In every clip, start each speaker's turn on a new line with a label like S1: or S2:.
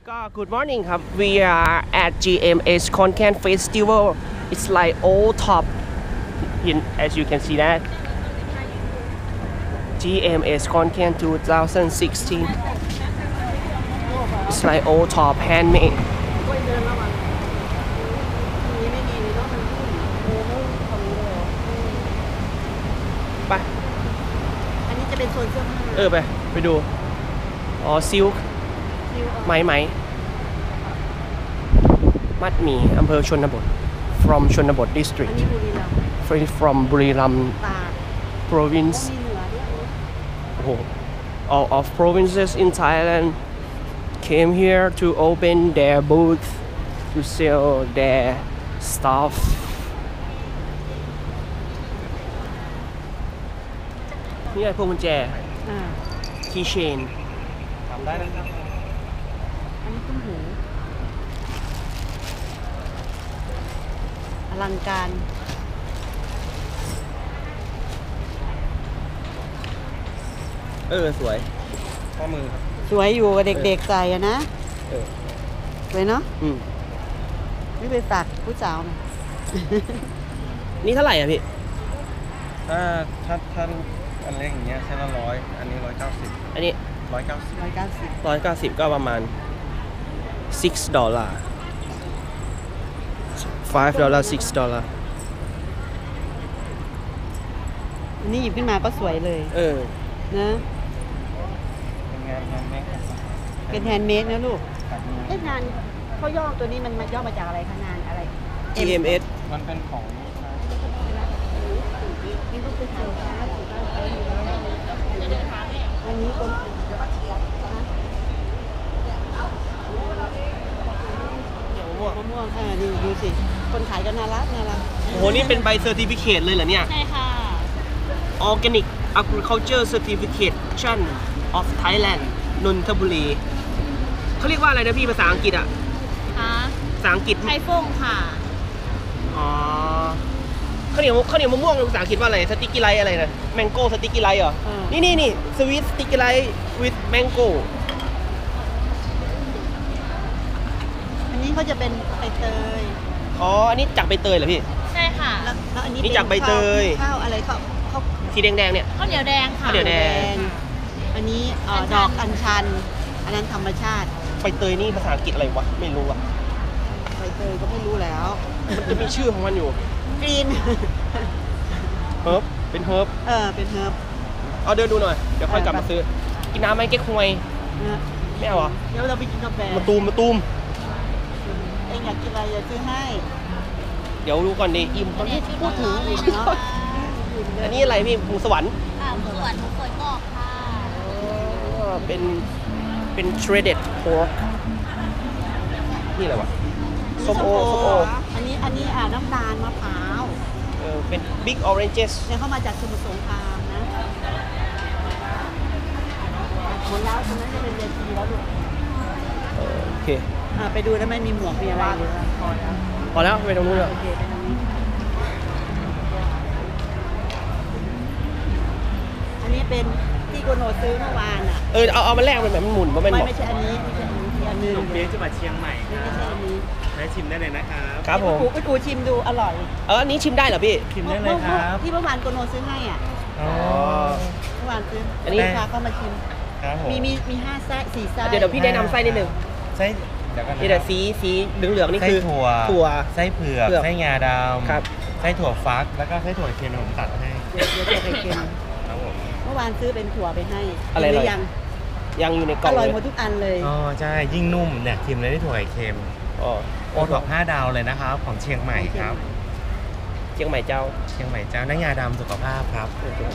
S1: Good morning ครับ We are at GMS Content Festival. It's like old top as you can see that GMS Content 2016. It's like old top handmade. ไป
S2: อันนี้จะเป็นโซนเสื้อผ้า
S1: ไปดูอ๋อซิลค์ไหมมัดหมี่อำเภอชนบท from ชนบท district
S2: อันนี้บุรีรัมย์
S1: from บุรีรัมย์
S2: ตาก
S1: province
S2: มีเหนือด้วย
S1: โอ้โห all of provinces in Thailand came here to open their booth to sell their stuff นี่ไงพวงกุญแจ keychain ทำได้นะครับ
S2: อันนี้ตุ้มหูอลังการ
S1: สวยข้อมือครับ
S2: สวยอยู่กับเด็กๆใส่อะนะสวยเนาะนี่ไปฝากผู้สาวนะ
S1: นี่เท่าไหร่อ่ะพี่
S3: ถ้ารูปอันเล็กอย่างเงี้ยใช้ละ100อันนี้190
S1: อันนี้
S2: 190
S1: ก็ประมาณ$6 $5 $6
S2: อันนี้หยิบขึ้นมาก็สวยเลยนะ
S3: เป็นงานแฮนด์เมด
S2: เป็นแฮนด์เมดนะลูกงานเขาย่อตัวนี้มันย่อมาจากอะไรคะงานอะไร
S1: GMS
S3: มันเป็นของ
S2: อันนี้คนมะม่วงดูสิคนขายกันน่ารัก
S1: โอ้โหนี่เป็นใบเซอร์ติฟิเคตเลยเหรอเนี่ย
S2: ใช่ค่ะ
S1: Organic Agriculture Certification of Thailand นนทบุรีเขาเรียกว่าอะไรนะพี่ภาษาอังกฤษอ่ะภาษาอังกฤษ
S2: ไทฟงค่ะ
S1: อ๋อข้าวเหนียวมะม่วงภาษาอังกฤษว่าอะไรสติกกี้ไลท์อะไรนะแมงโก้สติกกี้ไลท์เหรอนี่สวีทสติกกี้ไลท์ with mango
S2: อันนี้เขาจะเป็นใบเตย
S1: อันนี้จากใบเตยเหรอพี่
S2: ใช่ค่ะแล้วอันนี้
S1: จากใบเตย
S2: ข้าวอะไรข้าว
S1: สีแดงเนี่ย
S2: ข้าวเหนียวแดงค่ะ
S1: ข้าวเหนียวแดง
S2: อันนี้ดอกอัญชันอันนั้นธรรมชาติ
S1: ใบเตยนี่ภาษาอังกฤษอะไรวะไม่รู้อ่ะ
S2: ใบเตยก็ไม่รู้แล้ว
S1: มันจะมีชื่อของมันอยู่
S2: กรีน
S1: เฮิร์บเป็นเฮิร์บ
S2: เป็นเฮิร์บ
S1: เอาเดินดูหน่อยเดี๋ยวค่อยกลับมาซื้อกินน้ำไหมเก๊กฮวยไม่เอาเหรอ
S2: เดี๋ยวเราไปกินกาแฟ
S1: มาตูม
S2: เองอยากกินอะไรจะซื้อให้
S1: เดี๋ยวดูก่อนดิอิ่มตอนนี้
S2: พูดถึงอีกเนาะ
S1: อันนี้อะไรพี่หมูสวรรค์
S2: หมูสวรรค์หมูฝอยกรอบค่ะ
S1: เป็น shredded pork นี่อะไรวะส้มโอ
S2: อันนี้น้ำตาลมะพร้าว
S1: เป็น big oranges
S2: เนี่ยเข้ามาจากสมุทรสงครามนะหมดแล้วตรงนั้นจะเป็นเวทีแล้วดู
S1: โอเค
S2: ไปดูแล้วไม่มีหมวกมีอะไรเลย
S1: พอแล้วไปตรงนู้นเลย
S2: โอเคไปตรงนี้อันนี้เป็นที่โกโนซื้อเมื่อวานอ่ะ
S1: เอามาแลกมันแบบมันหมุน
S2: ไม่ใช่อันนี้อันนึง
S3: เบียร์จังหวัดเชียงใหม่
S2: ไม่ใช่อันนี้
S3: ได้ชิมได้เลยนะครับ
S1: ครับผม
S2: ไปกูชิมดูอร่อย
S1: อันนี้ชิมได้เหรอพี่
S3: ชิมได้เลยครับ
S2: ที่เมื่อวานโกโนซื้อให้อ่ะเมื่อวานซื้ออันนี้พาเข้ามาชิมมี5ไส้4ไส้
S1: เดี๋ยวพี่แนะนำไส้นิดนึง
S3: ไส้เดี๋ยวกัน
S1: นี่แต่สีเหลืองๆนี่คือ
S3: ถั่วไส้เผือกไส้งาดำ
S1: ครับ
S3: ไส้ถั่วฟักแล้วก็ไส้ถั่วเค็มผมตัดให้
S2: เดี๋ยวไข่เค็ม
S3: ครับผม
S2: เมื่อวานซื้อเป็นถั่วไปให้
S1: อะไรหรือยังอยู่ในกล่อง
S2: อร่อยหมดทุกอันเลย
S3: ใช่ยิ่งนุ่มเนี่ยชิมเลยได้ถั่วไข่เค็มโอท็อป5 ดาวเลยนะครับของเชียงใหม่ครับ
S1: เชียงใหม่เจ้า
S3: น้ำงาดำสุขภาพครับ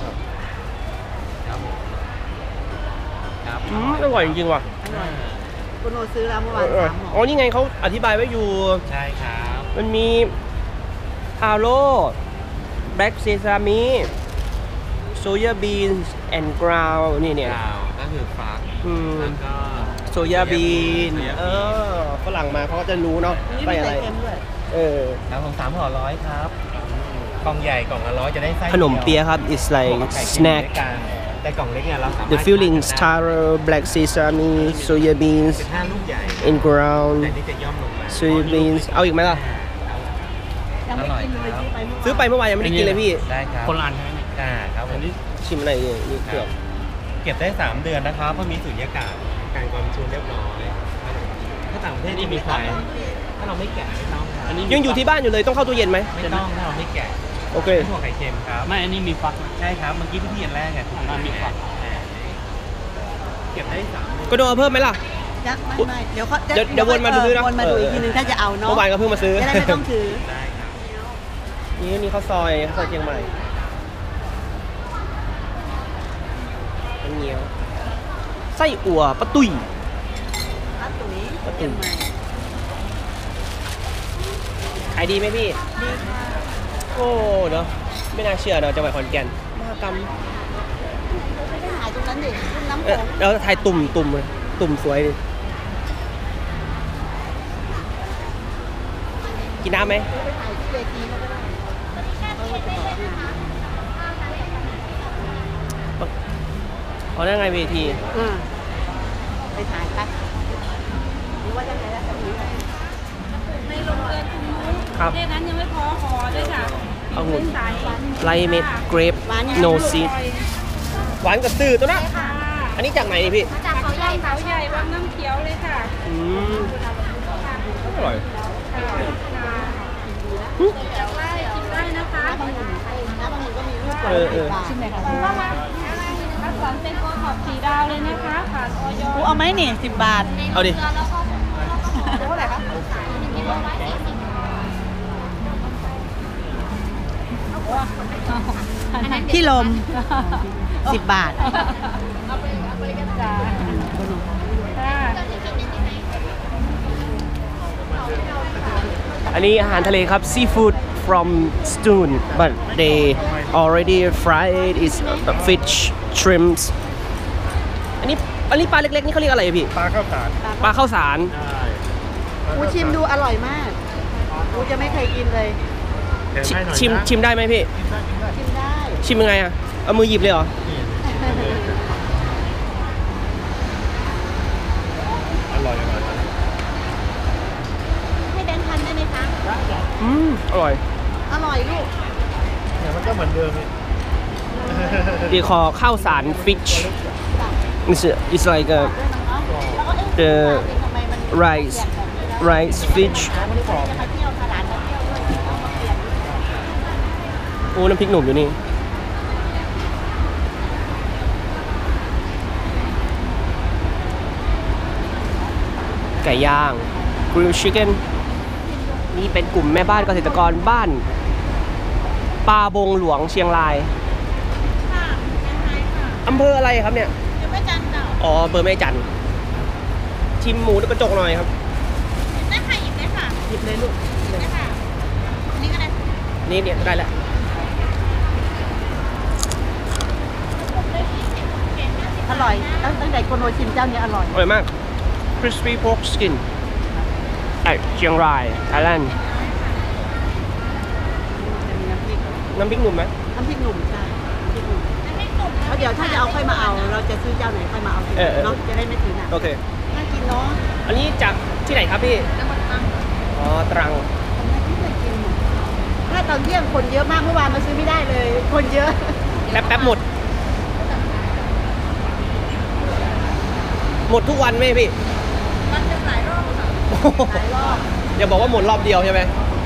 S1: อร่อยจริงๆว่ะ
S2: คุณโนซื้อแล้วเมื่อวาน3 ห่
S1: อนี่ไงเขาอธิบายไว้อยู่
S3: ใช่ครับ
S1: มันมีฮาโร่แบล็กเซซามิโซยาบีนส์แอนด์กราวนี่เนี่ย
S3: ก็คือฟักแล้วก็
S1: โซยาบีนฝรั่งมาเขาก็จะรู้เนาะ
S2: ใส่อะไร
S3: ครับผม3 ห่อ 100ครับกล่องใหญ่กล่องละ100จะได้ไส้
S1: ขนมเปี๊ยะครับ it's like snack
S3: แต่กล่องเล็กเนี่ยเราสามารถ
S1: The fillings taro black sesame soya beans
S3: 15 ลูกใหญ่
S1: in ground
S3: แต่นี่จะย่อมลงมา
S1: soya beans เอาอีกไหมล่ะ
S2: ยังไม่กินเลยซื้อไป
S1: ซื้อไปเมื่อวานยังไม่ได้กินเลยพี่
S3: ได้ครับ
S4: คนละอัน
S3: ครับผม
S1: ชิมอะไรเนี่ยนี่เกือบ
S3: เก็บได้ 3 เดือนนะครับเพราะมีสุญญากาศการความชื้นเรียบร้อยถ้าต่างประเทศนี่มีไฟถ้าเราไม่แกะไม่ต้องครับ
S1: ยังอยู่ที่บ้านอยู่เลยต้องเข้าตู้เย็นไหม
S3: ไม่ต้องถ้าเราไม่แกะ
S1: โอเค
S3: ถั่วไข่เค็มครับ
S4: ไม่ อันนี้มีฟัก
S3: ใช่ครับเมื่อกี้ที่พี่อันแรกไง
S4: มันมีฟัก
S3: เก็บได้3 เดือน
S1: ก็โดนเอาเพิ่มไหมล่ะ
S2: ยักไม่เดี๋ยวเขา
S1: เดี๋ยววนมาดูนะ
S2: วนมาดูอีกทีนึงถ้าจะเอาเนาะ
S1: เมื่อวานก็เพิ่งมาซื้อ
S2: จะได้ไม่ต้องถือ
S3: ได้ครับ
S1: นี่ข้าวซอยเชียงใหม่เป็นเงี้ยวไส้อั่วปะตุย
S2: ร้านตุ๋ยเชียงใหม่
S1: ขายดีไหมพี่
S2: ดีค่ะ
S1: โอ้เนาะไม่น่าเชื่อเนาะจังหวัดขอนแก่นมหกรรม
S2: ไม่ได้หายตรงนั้นดิรุ่นน้ำโขง
S1: แล้วถ่ายตุ่มเลยตุ่มสวยดิกินน้ำไหม
S2: ไปถ่ายที่เวทีแล้วก็ได้เขาจะบอกงาน
S1: อ๋อนั่นไงเวที
S2: ไปถ่ายกันหรือว่าจะไหนแล้วจะหนี
S5: ในโรงเรือนคุณนุ้ย
S1: ครับ
S5: เลขนั้นยังไม่พอห่อด้วยค่ะ
S1: เอาหุ่น
S5: ใส
S1: ไลเม็ดเกรปโนซีดหวานกับตื้อตัวนะ
S5: ค่ะ
S1: อันนี้จากไหนนี่พี่
S5: จากเขาใหญ่วังน้ำเขียวเลยค่ะ
S1: อืมอร่อย
S5: แต่ว่าชิมได้นะคะ
S2: น้ำบางคนก็มีรูป
S1: เออ
S2: ชิมไหนคะ
S5: คัดสรรเป็นโกท็อป4 ดาวเลยนะคะผ่านออย
S2: กูเอาไหมนี่10 บาท
S1: เอาดิ
S2: เท่าไหร่คะที่ลม 10 บาท
S5: จ้าค่ะ
S1: อันนี้อาหารทะเลครับ seafood from Stoon but they already fried is fish shrimps อันนี้ปลาเล็กๆนี่เขาเรียกอะไรอะพี่
S4: ปลาข้าวสาร
S1: ปลาข้าวสาร
S2: กูชิมดูอร่อยมากกูจะไม่เคยกินเลย
S1: ชิมได้ไหมพี่
S2: ชิมได้
S1: ชิมยังไงอะเอามือหยิบเลยเหรอ
S4: อร่อย
S2: ให้แบงค์พันได้ไหมคะ
S1: อร่อย
S2: อร่อยลูก
S4: เนี่ยมันก็เหมือนเดิมนี่
S1: ดีคอข้าวสาร fish it's like a,
S2: แล้วก็เอ๊ะ
S1: the
S2: ทำไมมัน
S1: rice rice fish
S2: จะมาเที่ยวพาหลานมาเที่ยวด้วยเอามาเปลี่ยน
S1: โอ้น้ำพริกหนุ่มอยู่นี่ ไก่ย่าง grill chicken นี่เป็นกลุ่มแม่บ้านเกษตรกรบ้านปาบงหลวงเชียงรายอำเภออะไรครับเนี่ย
S5: ยังไม่จันเก่า
S1: อ๋ออำเภอแม่จันทร์ชิมหมูกระจกหน่อยครับ
S5: ได้ค่ะหยิบได้ค่ะ
S1: หยิบเลยลูก
S5: ได้ค่ะอันนี้ก็ได้
S1: นี่เนี่ยได้แล้ว
S2: อร่อยตั้งแต่โกโนชิมเจ้านี้อร่อย
S1: อร่อยมาก crispy pork skin ไอเชียงราย ไทยแลนด์
S2: จะมีน้ำพริก
S1: น้ำพริกหนุ่มไหม
S2: น้ำพริกหนุ่มใช่น้ำพริกหนุ่มเพราะเดี๋ยวถ้าจะเอาค่อยมาเอา เราจะซื้อเจ้าไหนค่อยมาเอาทีหลังเนาะจะได้ไม่ถึงอ่ะ
S1: โอเค
S2: น่ากินเนาะ
S1: อันนี้จากที่ไหนครับพี่
S5: จังหวัดตรัง
S1: อ๋อ ตรัง
S2: ไม่เคยกินหมดถ้าตอนเที่ยงคนเยอะมากเมื่อวานมาซื้อไม่ได้เลย คนเยอะ
S1: แป๊บหมด หมดทุกวันไหมพี่
S5: มันจะหลายรอบค่ะ
S2: หลายรอบ
S1: อย่าบอกว่าหมดรอบเดียวใช่ไหม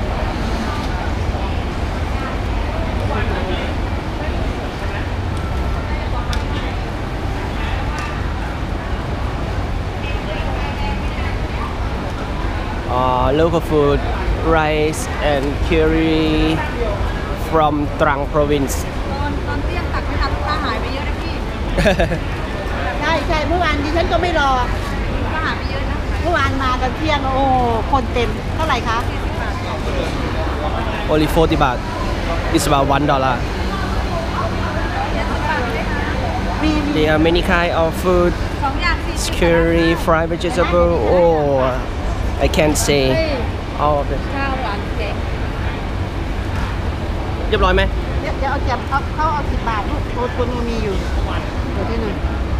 S1: local food rice and curry from Trang province
S5: ตอนเที่ยงตักไม่ทันลูกค้าหายไปเยอะนะพี่
S2: ใช่เมื่อวานดิฉันก็ไม่รอ
S5: ลูกค้าหายไปเยอะนะ
S2: เมื่อวานมาตอนเที่ยงโอ้คนเต็มเท่าไหร่คะ
S1: only 40 baht it's about $1
S2: มี
S1: there are many kind of food
S5: 2 อย่าง40
S1: curry fried vegetable oh I can't say all of it
S5: ข้าวหวานแกง
S1: เรียบร้อยไหม
S2: เดี๋ยวเอาจับเขาเอา10 บาทลูกตัวนูมีอยู่เดี๋ยวที่หน่อย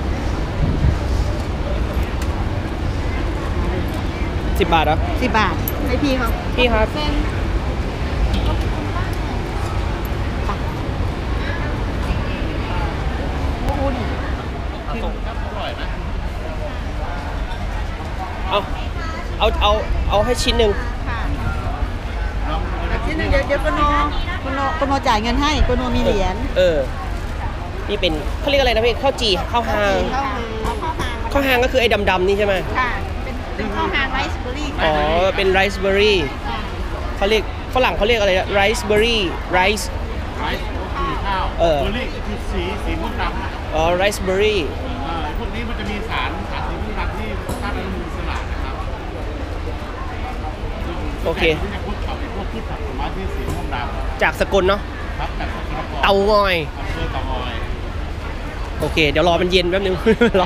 S1: 10 บาทเหรอ
S2: 10 บาทให้พี่เขา
S1: พี่ครับ
S2: โอ้โหนี่
S1: เอาให้ชิ้นหนึ่ง
S2: ค่ะชิ้นหนึงเดี๋ยวโนจ่ายเงินให้โนมีเหรียญ
S1: นี่เป็นเขาเรียกอะไรนะพี่ข้าวจี่ข้าวหาง
S2: ข้าวหาง
S1: ข้าวหางก็คือไอ้ดำๆนี่ใช่ไหม
S2: ค่ะเป็นข้าวหางไรซ์เบอร์รี่
S1: อ๋อเป็นไรซ์เบอร์รี่เขาเรียกฝรั่งเขาเรียกอะไรนะไรซ์เบอร์รี่ไรซ์
S4: ไรซ์คือข้าวเบอร์รี่คือสีม่วงดำ
S1: อ๋อไรซ์เบอร์รี่
S4: พวกนี้มันจะมีสารสีม่วงดำที่ธาตุอนุมูลอิสระนะครับ
S1: โอเค
S4: ที่จะพวกพืชผักผลไม้ที่สีม่วงดำ
S1: จากสกลเนาะ
S4: ครับจากสกลนคร
S1: เตางอย
S4: อำเภอเตางอย
S1: โอเค เดี๋ยวรอมันเย็นแป๊บนึง รอ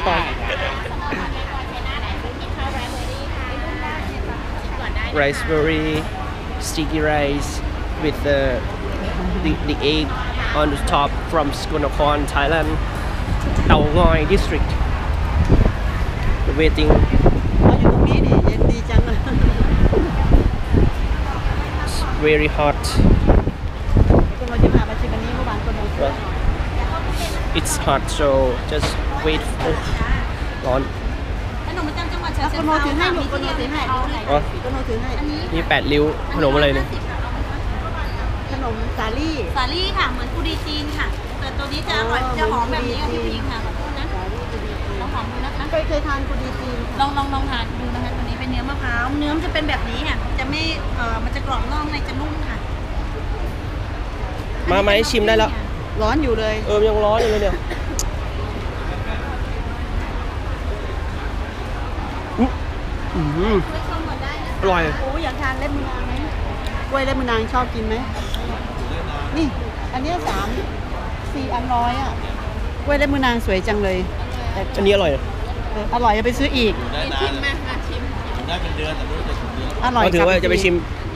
S1: raspberry sticky rice with the egg on the top from Skonokon, Thailand, Tao Ngoi district. Waiting.
S2: เขาอยู่ตรงนี้นี่เย็นดีจังเลย
S1: It's very hot.
S2: โนจะพามาชิมอันนี้เมื่อวานโน
S1: It's hot, so just wait. Oh, ร้อน
S5: ขนมประจำจังหวัดฉะ
S2: แล้ว
S5: เชิ
S2: โน
S5: งเทรา
S2: ถือให้
S5: ค่ะ
S2: ลู
S5: มี
S2: กโน
S5: ที่
S2: ถือให้
S5: เขาเลย
S1: อ๋อ
S2: โนถือให้
S5: อันนี้
S1: นี่8 ริ้วขนมอะไรเนี่ย
S2: ขนมสาลี่
S5: สาลี่ค่ะ เหมือนกุดีจีนค่ะ แต่ตัวนี้จะอร่อยจะหอมแบบนี้ค่ะพี่ผู้หญิงค่ะขอโทษนะลองหอมดูนะคะ
S2: เคยทานกุดีจีน
S5: ลองทานดูนะคะตัวนี้เป็นเนื้อมะพร้าวเนื้อมันจะเป็นแบบนี้ค่ะจะไม่มันจะกรอบนอกในจะนุ่มค่ะ
S1: มาไหมชิมได้แล้ว
S2: ร้อนอยู่เลย
S1: ยังร้อนอยู่เลยเนี่ยอร่อย
S2: โอ้อยากทานเล็บมือนางไหมกล้วยเล็บมือนางชอบกินไหมนี่ อันนี้4 อันร้อยอ่ะกล้วยเล็บมือนางสวยจังเลยแต่
S1: อันนี้อร่อย
S2: อร่อยจะไปซื้ออีก
S5: ชิมไหมมาชิม
S4: ได้เป็นเดือนแต่ไม่รู้จะถึงเดือน
S2: อร่อย
S1: ก็ถือว่าจะไปชิม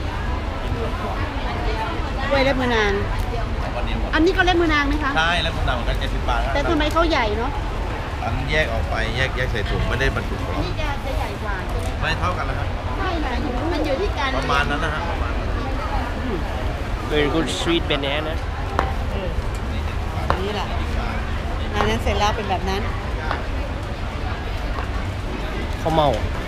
S2: กล้วยเล็บมือนาง
S4: วันนี้หมด
S2: อันนี้ก็เล็บมือนางไหมคะ
S4: ใช่แล้วคุณดำกัน70 บาท
S2: แต่ทำไมเขาใหญ่เนาะ
S4: อันแยกออกไปแยกใส่ถุงไม่ได้บรรจุกล่อง
S2: นี่จะใหญ่กว่าใช่ไหม
S4: ไม่เท่ากันแล้วครับ
S2: ไม่นะมันอยู่ที่การ
S4: ประมาณนั้นนะฮะประมาณนั้น
S1: very good sweet banana
S2: นี่แหละอันนั้นเสร็จแล้วเป็นแบบนั้น
S1: ข้าวเมา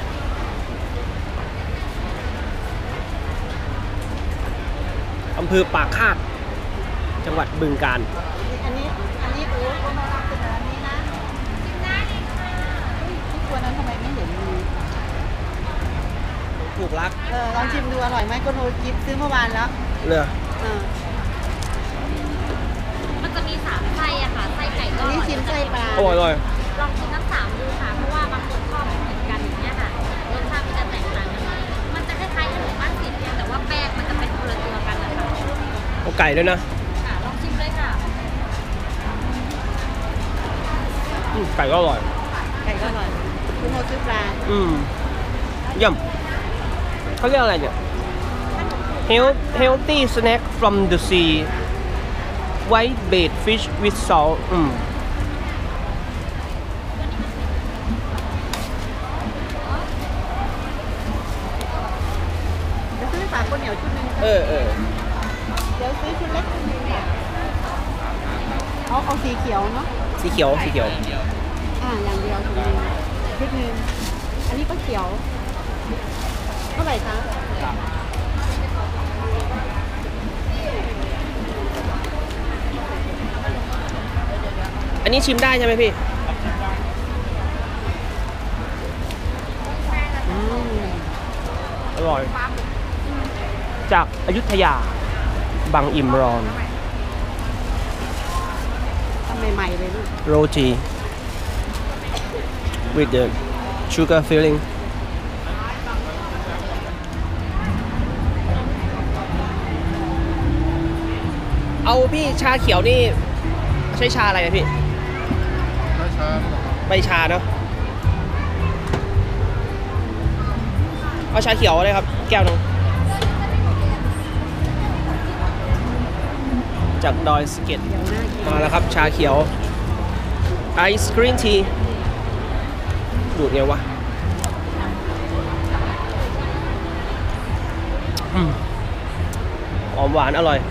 S1: อำเภอปากคาดจังหวัดบึงกาฬ
S2: อันนี้โอ้โหน่ารักเป็นแบบนี้นะที่ตัวนั้นทำไมไม่เห็นมี
S1: ถูกรัก
S2: ลองชิมดูอร่อยไหมก็โนจิบซื้อเมื่อวานแล้ว
S1: เลือ
S5: มันจะมี3ไส้อะค่ะไส้ไก่ก็
S2: อันนี้ชิมไส้ปลา
S1: อร่อย
S5: ลองชิมทั้ง3ดูค่ะ เพราะว่าบางคนชอบไม่เหมือนกันอย่างเงี้ยค่ะรสชาติมันจะแตกต่างกันหน่อยมันจะคล้ายๆขนมบ้านสิบเนี่ยแต่ว่าแป้งมันจะเป็นคนละตัวกันนะคะ
S1: เอาไก่ด้วยนะ
S5: ค่ะลองชิมเลยค่ะ
S1: ไก่ก็อร่อย
S2: ไก่ก็อร่อยคุณโนซื้อปลา
S1: เยี่ยมเขาเรียกอะไรเนี่ย healthy snack from the sea white bait fish with salt
S2: จะซื้อปลาข้าวเหนียวชุดหนึง
S1: เออ
S2: เดี๋ยวซื้อชุดเล็กชุดหนึงเนี่ยเอาสีเขียวเนาะ
S1: สีเขียว
S2: อย่างเดียวชุดหนึงชุดหนึงอันนี้ก็เขียวเท่าไหร่คะ
S1: อันนี้ชิมได้ใช่ไหมพี่ อร่อย จากอยุธยา บางอิมรอน
S2: ทำใหม่ๆเลยลูก
S1: roti with the sugar filling เอาพี่ชาเขียวนี่ใช้ชาอะไรนะพี่ใบชาเนาะเอาชาเขียวเลยครับ แก้วหนึงจากดอยสะเก็ด
S2: เดี๋ยวหน้ากิน
S1: มาแล้วครับชาเขียวไอศกรีนทีดูดไงวะหอมหวานอร่อย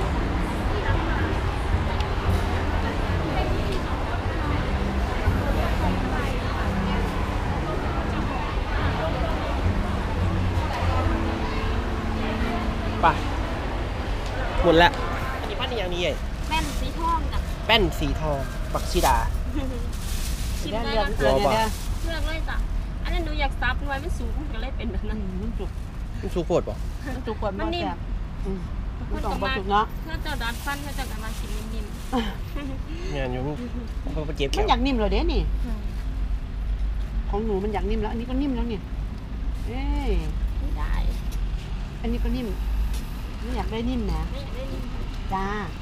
S1: ไปหมดแล้วอันนี้พันธุ์อย่างนี้ไง
S5: แม่นสีทองกับ
S1: แป้นสีทองบักชิดา
S5: ชิม
S2: เดี๋ยว
S5: ได้
S2: เดี๋ยว
S5: ก็
S2: เดี๋ยวเดี๋ยว
S5: เลือกเลยจ้ะอันนั้นหนูอยากซับไว้ไม่สูงก็เลยเป็นแบบนั้น
S2: มันจุก
S1: มันสูโคตรป่ะ
S2: มันจุกกว่า
S5: มันนิ่ม
S2: แซ่บมันต้องบจุกเนาะ
S5: เพื่อจะดัดฟันเพื่อจะกันมากินนิ่ม
S1: เนี่ยอยู่เพราะไปเก็บ
S2: มั
S1: แก้
S2: น
S1: ว
S2: อยากนิ่มเลยเด้นี่
S5: ๆ
S2: ของหนูมันอยากนิ่มแล้ว อันนี้ก็นิ่มแล้วเนี่ยเอ้ย
S5: ไม่ได้
S2: อันนี้ก็นิ่มไม่อยากได้นิ่มนะ
S5: ไม่อยากได้นิ่ม
S2: จ้า
S5: อ